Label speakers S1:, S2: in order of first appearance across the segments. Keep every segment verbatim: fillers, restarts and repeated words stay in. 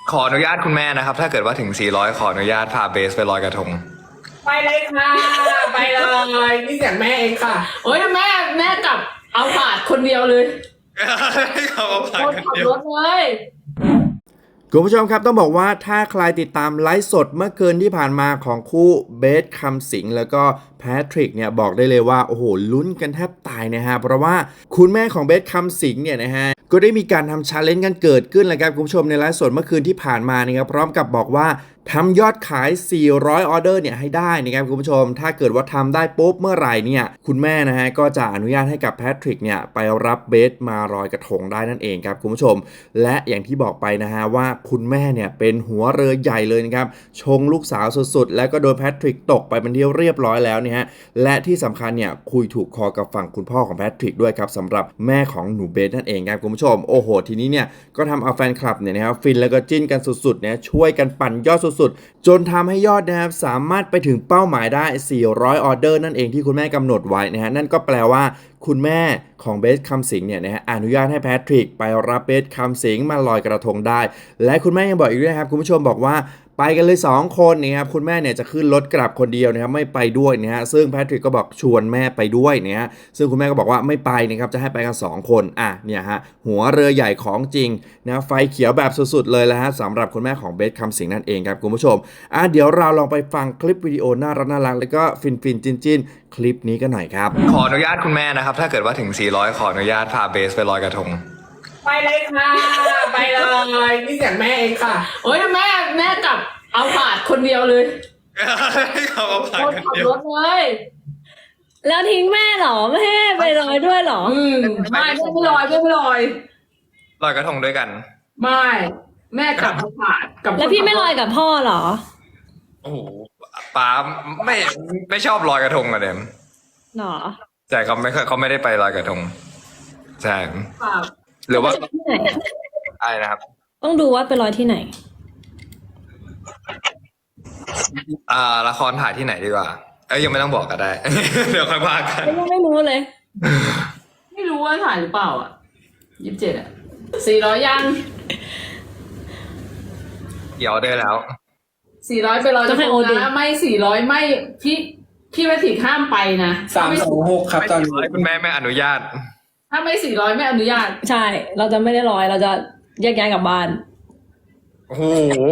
S1: ขออนุญาตคุณแม่นะครับ ถ้าเกิดว่าถึงสี่ร้อยขออนุญาตพาเบสไปลอยกระทง
S2: ไปเลยค่ะไปเลยนี่เสียงแม่เองค่ะโอ้ยแม่แม่กลับเอาผาดคนเดียวเลย
S1: เขาเอาผ่าน
S2: คน
S1: กัน
S2: ขับ
S1: เดีย
S2: ร
S1: ว
S2: ถเลย
S3: คุณผู้ชมครับต้องบอกว่าถ้าใครติดตามไลฟ์สดเมื่อคืนที่ผ่านมาของคู่เบสคำสิงห์แล้วก็แพทริกเนี่ยบอกได้เลยว่าโอ้โหลุ้นกันแทบตายนะฮะเพราะว่าคุณแม่ของเบสคำสิงห์เนี่ยนะฮะก็ได้มีการทำชาเลนจ์กันเกิดขึ้นเลยครับคุณผู้ชมในไลฟ์สดเมื่อคืนที่ผ่านมานะครับพร้อมกับบอกว่าทำยอดขาย สี่ร้อย ออเดอร์เนี่ยให้ได้นะครับคุณผู้ชมถ้าเกิดว่าทำได้ปุ๊บเมื่อไหร่เนี่ยคุณแม่นะฮะก็จะอนุญาตให้กับแพทริกเนี่ยไปรับเบสมาลอยกระทงได้นั่นเองครับคุณผู้ชมและอย่างที่บอกไปนะฮะว่าคุณแม่เนี่ยเป็นหัวเรือใหญ่เลยนะครับชงลูกสาวสุดๆแล้วก็โดนแพทริกตกไปเป็นที่เรียบร้อยแล้วเนี่ยฮะและที่สำคัญเนี่ยคุยถูกคอกับฝั่งคุณพ่อของแพทริกด้วยครับสำหรับแม่ของหนูเบสนั่นเองครับคุณผู้ชมโอ้โหทีนี้เนี่ยก็ทำเอาแฟนคลับเนี่ยนะครับฟินแล้วก็จิ้นกันสุดๆเนี่ยช่วยกันปั่นยอดสุดๆจนทำให้ยอดนะครับสามารถไปถึงเป้าหมายได้สี่ร้อยออเดอร์นั่นเองที่คุณแม่กำหนดไว้นะฮะนั่นก็แปลว่าคุณแม่ของเบสคำสิงห์เนี่ยนะฮะอนุญาตให้แพทริกไปรับเบสคำสิงห์มาลอยกระทงได้และคุณแม่ยังบอกอีกด้วยนะครับคุณผู้ชมบอกว่าไปกันเลยสองคนนะครับคุณแม่เนี่ยจะขึ้นรถกลับคนเดียวนะครับไม่ไปด้วยนะฮะซึ่งแพทริกก็บอกชวนแม่ไปด้วยนะฮะซึ่งคุณแม่ก็บอกว่าไม่ไปนะครับจะให้ไปกันสองคนอ่ะเนี่ยฮะหัวเรือใหญ่ของจริงนะไฟเขียวแบบสุดๆเลยแล้วฮะสำหรับคุณแม่ของเบสคำสิงห์นั่นเองครับคุณผู้ชมอ่ะเดี๋ยวเราลองไปฟังคลิปวิดีโอน่ารักน่ารักแล้วก็ฟินฟินจินจินคลิปนี้กันหน่อยครับ
S1: ขออนุญาตคุณแม่นะครับ ถ้าเกิดว่าถึงสี่ร้อยขออนุญาตพาเบสไปลอยกระทง
S2: ไปเลยค่ะไปเลยนี่เสียงแม่เองค่ะโอ้ยแม่แม่กลับเอาผาดคนเดียวเลย
S1: เขาเอาผ่าน
S2: คน
S1: กัน
S2: ขับ
S1: เดียว
S2: รถเลย
S4: แล้วทิ้งแม่เหรอไม่ให้ไปลอยด้วยเหรอ
S2: อืมไม่แม่ไม่ลอยแม่ไม่ลอย
S1: ลอยกระทงด้วยกัน
S2: ไม่แม่กลับเอาผาดกับ
S4: แล้วพี่ไม่ลอยกับพ่อเหรอ
S1: โอ้โหป้าไม่ไม่ชอบลอยกระทงอะเดม
S4: หรอ
S1: ใช่เขาไม่เคยเขาไม่ได้ไปลอยกระทงใช่
S2: ผาด
S1: หรือว่า
S4: ที่ไหนอะ
S1: อะไรนะครับ
S4: ต้องดูว่าไปลอยที่ไหน
S1: อ่าละครถ่ายที่ไหนดีกว่า เอ้ยยังไม่ต้องบอกก็ได้ เดี๋ยวค่อยว่ากัน
S4: ยังไม่รู้เลย
S2: ไม่รู้ว่าถ่ายหรือเปล่าอ่ะยี่สิบเจ็ดอ่ะสี่ร้อยยัง
S1: เดี๋ยวได้แล้ว
S2: สี่ร้อยไปลอยกระทงนะไม่สี่ร้อยไม่พี่พี่แพทริกห้ามไปนะ
S5: สามสองหกครับตอนนี้
S1: คุณแม่ไม่อนุญาต
S2: ถ้าไม่สี่ร้อยไม่อนุญาต
S4: ใช่ เราจะไม่ได้ลอยเราจะแยกย้ายกลับบ้าน
S1: โอ้โห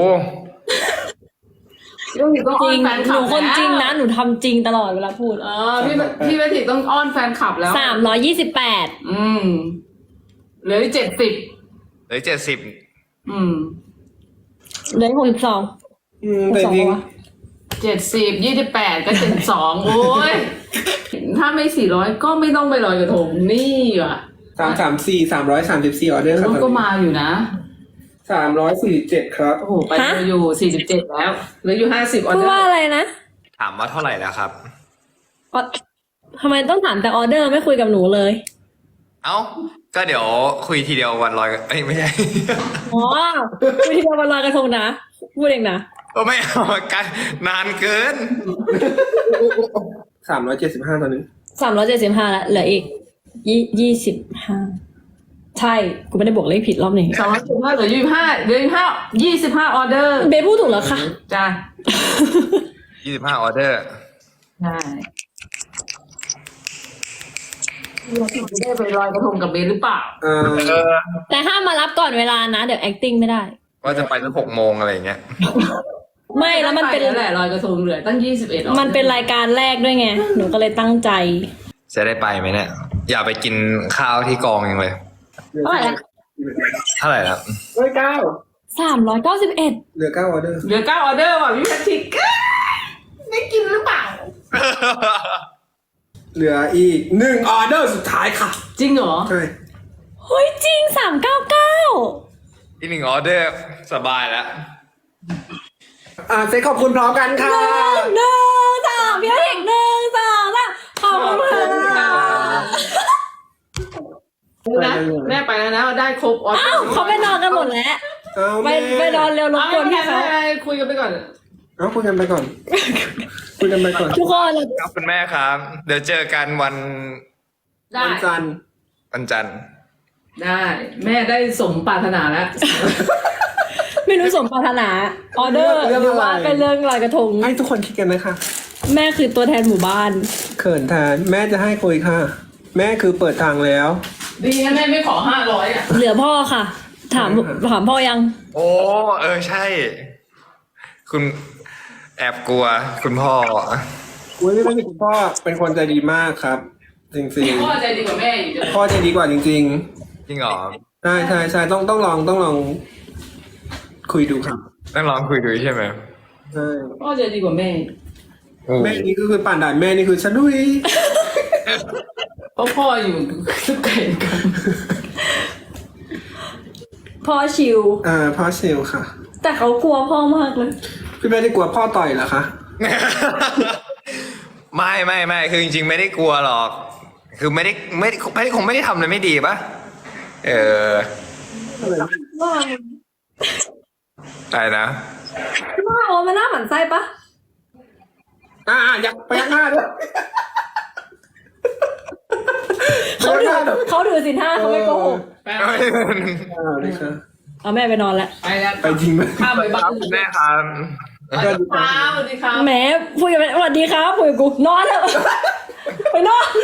S2: พี่แพทริกต้อง
S4: จ
S2: อ้อ
S4: ริ
S2: น
S4: ง
S2: แฟนค
S4: ห
S2: ลั
S4: นู
S2: บ
S4: คนจริงนะ
S2: แล้ว
S4: หนูทำจริงตลอดเวลาพูด
S2: เออพี่พี่แพทริกต้องอ้อนแฟนคลับแล้ว
S4: สามร้อยยี่สิบแปด
S2: อืมเหลือเจ็ดสิบ
S1: เหลือเจ็ดสิบ
S2: อืม
S4: เหลือหกสิบสอง
S5: อืมแต่จริง
S2: เจ็ดสิบยี่สิบแปดก็เจ็ดสองโอ้ยถ้าไม่สี่ร้อยก็ไม่ต้องไปลอยกระทงนี่ว่ะ
S5: สามสามสี่สามร้อยสามสิบสี่ออเดอร์ครับ
S2: มันก็มาอยู่นะ
S5: สามร้อยสี่สิบเจ็ดครับ
S2: โอ้โหไปอยู่สี่สิบเจ็ดแล้วเหลืออยู่ห้าสิบออ
S4: พู
S2: เด
S4: ด
S2: อ
S4: ว่า
S2: ร์
S4: อะไรนะ
S1: ถามว่าเท่าไหร่แล้วครับ
S4: ออทำไมต้องถามแต่ออเดอร์ไม่คุยกับหนูเลย
S1: เอ้า ก็เดี๋ยวคุยทีเดียววันลอยเอ้ยไม่ใช่
S4: อ๋อคุยที่เราวันลอยกระทงนะ พูดเองนะ
S1: ก็ไม่เอากันนานเกิน
S5: สามร้อยเจ็ดสิบห้าตอนนี้
S4: สามร้อยเจ็ดสิบห้าแล้วเหลืออีกยี่ยี่สิบห้าใช่กูไม่ได้บวกเลขผิดรอบนี้
S2: สองร้อยสิบห้าเหลือยี่สิบห้าเหลือยี่สิบห้ายี่สิบห้าออเดอร์
S4: เบสพูดถูกแล้วค่ะ
S2: จ้า
S1: ยี่สิบห้าออเดอร์
S2: ใช่เราจะได้ไปลอยกระทงกับเบสหรือเปล่า
S5: เอ่อ
S1: เออ
S4: แต่ห้ามมารับก่อนเวลานะ เดี๋ยว acting ไม่ได้
S1: ว่าจะไปสักหกโมงอะไรอย่างเงี้ย
S4: ไม่แล้วมันเป็น
S2: ไแล้วแหละลอยกระทงเหลือตั้งยี่สิบเอ็ด
S4: มันเป็นรายการแรกด้วยไง หนูก็เลยตั้งใจ
S1: จะได้ไปไหมเนี่ย อย่าไปกินข้าวที่กองยังเลย
S4: เท่าไหร่ละ
S1: เท่าไหร่ครับ
S5: ร้อยเก้า
S4: สามร้อยเก้าสิบเอ็ด
S5: เหลือเก้าออเดอร์
S2: เหลือเก้าออเดอร์ว่ะพี่แพทริกได้กินหรือเปล่า
S5: เหลืออีกหนึ่งออเดอร์สุดท้ายค่ะ
S2: จริงเหรอ
S5: ใช่
S4: เฮ้ยจริงสามเก้าเก้า
S1: อีกหนึ่งออเดอร์สบายแล้ว
S5: อ่าเซ็ตขอบคุณพร้อมกันค่ะ
S4: หนึ่งสองพี่เอกหนึ่งสองสามขอบคุณค่ะ
S2: นะแม่ไปแล้วนะได้ครบออเดอ
S4: อ้าว
S2: ร์
S4: เขาไปนอนกันหมดแล้ว
S5: เอา
S4: ไป
S5: แม่
S4: ไปนอนเร็วรบ
S2: เอา
S4: กวน
S2: ไม่
S4: พี่
S2: เป็น
S4: เขา
S2: ไรคุยกันไปก่อน
S5: เอาคุยกันไปก่อน คุยกันไปก่อน
S4: ทุกคน
S1: ครับคุณแม่ครับ เดี๋ยวเจอกันวัน
S2: ได้
S5: วันจันทร์
S1: วันจันทร์
S2: ได้ แม่ได้สมปรารถนาแล้ว
S4: ไม่รู้สมปรารถนาออเดอร์
S5: เรื่อง
S4: หรือ
S5: อะไร
S4: ว่าเป็นเรื่องลอยกระทง
S5: ให้ทุกคนคิดกันนะคะ
S4: แม่คือตัวแทนหมู่บ้าน
S5: เขินแทนแม่จะให้คุยค่ะ แม่คือเปิดทางแล้ว
S2: ดีนะแม่ไม่ขอห้าร้อยอ่ะ
S4: เหลือพ่อค่ะ ถามถามพ่อยัง
S1: โอ้เออใช่ คุณแอบกลัวคุณพ่อ
S5: อุ้ยไม่ใช่คุณพ่อเป็นคนใจดีมากครับ จริง
S2: พ่อใจดีกว่าแม่อีก
S5: ๆพ่อใจดีกว่าจริง
S1: จริงเหรอ
S5: ๆใช่ใช่ใช่ต้องต้องลองต้องลอง คุยดูครับ
S1: ต้องลองคุยดูใช่ไหม
S5: ใช่
S2: พ่อใจดีกว่าแม่
S5: แม่นี่ก็คือป่านด่านแม่นี่คือฉันดุย
S2: เพราะพ่ออยู่ทุกไก่กัน
S4: พ่อชิว
S5: อ่าพ่อเซลค่ะ
S4: แต่เขากลัวพ่อมากเลย
S5: พี่แม่ได้กลัวพ่อต่อยเหรอคะ
S1: ไม่ไม่ไม่คือจริงๆไม่ได้กลัวหรอก คือไม่ได้ไม่ได้ไม่ได้คงไม่ได้ทำอะไรไม่ดีปะเออ
S4: ว่า
S1: อะไรนะ
S4: ว่าโอ้มันน่าหมั่นไส้ปะ
S5: อ่าอยากไปยักหน้าด้วย
S4: เขาถือเขาถือสินห้าเขาไม่โกหก
S2: ไป
S5: อ่าเลยค่ะ
S4: เอาแม่ไปนอนแล้ว
S2: ไปแล้ว
S5: ไปจริงไหม
S2: ข้ามไปบ้าน
S1: คุณแม่ครับ
S2: สวัสดีครับสวัสดีครับ
S4: แหมคุยกันไปสวัสดีครับคุยกับกูนอนแล้ว ไปนอน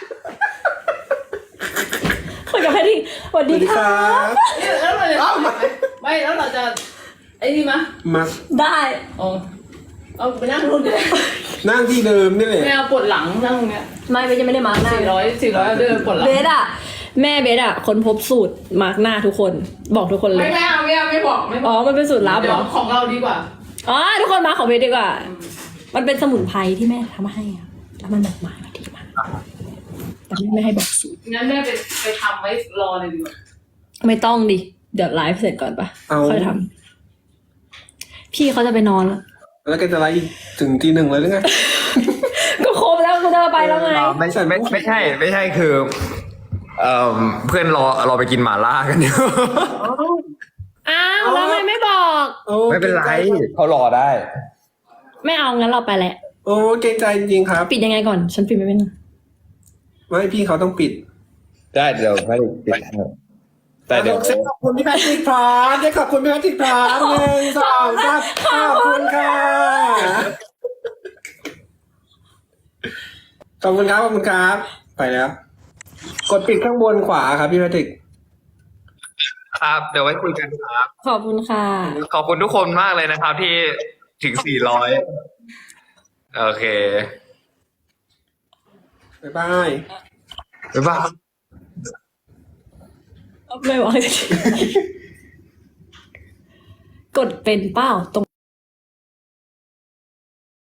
S4: คุยกับแพทย์สวัส
S5: ส
S4: ดี
S5: วัสดี
S4: ค
S5: ค
S4: รั
S5: รับ บ
S2: เนี่ยแล้วเราจะไม่แล้วเราจะไอ้นี่มะ
S5: มา
S4: ได้
S2: อ๋อเอาไปนั่งรุ่นเลย
S5: นั่งที่เดิมนี่แหละ
S2: ไม่เอาปวดหลังนั่งตรงเนี้ย
S4: ไม่เบสยังไม่ได้มาร์กหน้า
S2: สี่ร้อยสี่ร้อยเดินปวดหลัง
S4: เบสอะแม่เบสอะคนพบสูตรมาร์กหน้าทุกคน บอกทุกคนเล
S2: ไม่
S4: ย
S2: ไม่เอาไม่เอาไม่บอกไม่บ
S4: อ๋
S2: อ
S4: อก มันเป็นสูตรลับ
S2: เดี๋
S4: เห
S2: ย
S4: ร
S2: ว
S4: อ
S2: ของเราดีกว่า
S4: อ๋อทุกคนมาของเบสดีกว่า มันเป็นสมุนไพรที่แม่ทำให้อะแล้วมันแบบมาดีมากแต่แม่ไม่ให้บอกสูตร
S2: งั้นแม่ไปไปทำไว้รอเลยดีกว่า
S4: ไม่ต้องดิ เดี๋ยวไลฟ์เสร็จก่อนปะ
S5: เอา
S4: ค่อยทำพี่เขาจะไปนอนแล้ว
S5: แล้วก็จะไล่ถึงทีหนึ่งเลยหรือไง
S4: ก็ครบแล้วคุณจะไปแล้วไง
S1: อ๋อไม่ใช่ไม่ไม่ใช่ไม่ใช่คือเอ่อเพื่อนรอเราไปกินหม่าล่ากันอยู่
S4: อ้าวแล้วทำไมไม่บอก
S5: โอ้
S1: ไม่เป็นไรเขารอได้
S4: ไม่เอางั้นเราไปแหละ
S5: โอ้เกรงใจจริงๆครับ
S4: ปิดยังไงก่อน ฉันปิดไม่เป็น
S5: ไม่พี่เขาต้องปิด
S1: ได้เดี๋ยวไม่ปิดแต่เดี๋ยว
S5: เซ็ตขอบคุณพี่แพทริกพร้อมได้ขอบคุณพี่แพทริกพร้อมหนึ่งสองสามขอบคุณค่ะขอบคุณครับขอบคุณครับ ไปแล้ว กดปิดข้างบนขวาครับพี่แพทริก
S1: ครับเดี๋ยวไว้คุยกันครับ
S4: ขอบคุณค่ะ
S1: ขอบคุณทุกคนมากเลยนะครับ ที่ถึงสี่ร้อยโอเค
S5: บ๊ายบาย
S1: บ๊ายบาย
S4: ไม่บอก กดเป็นเป้าตรง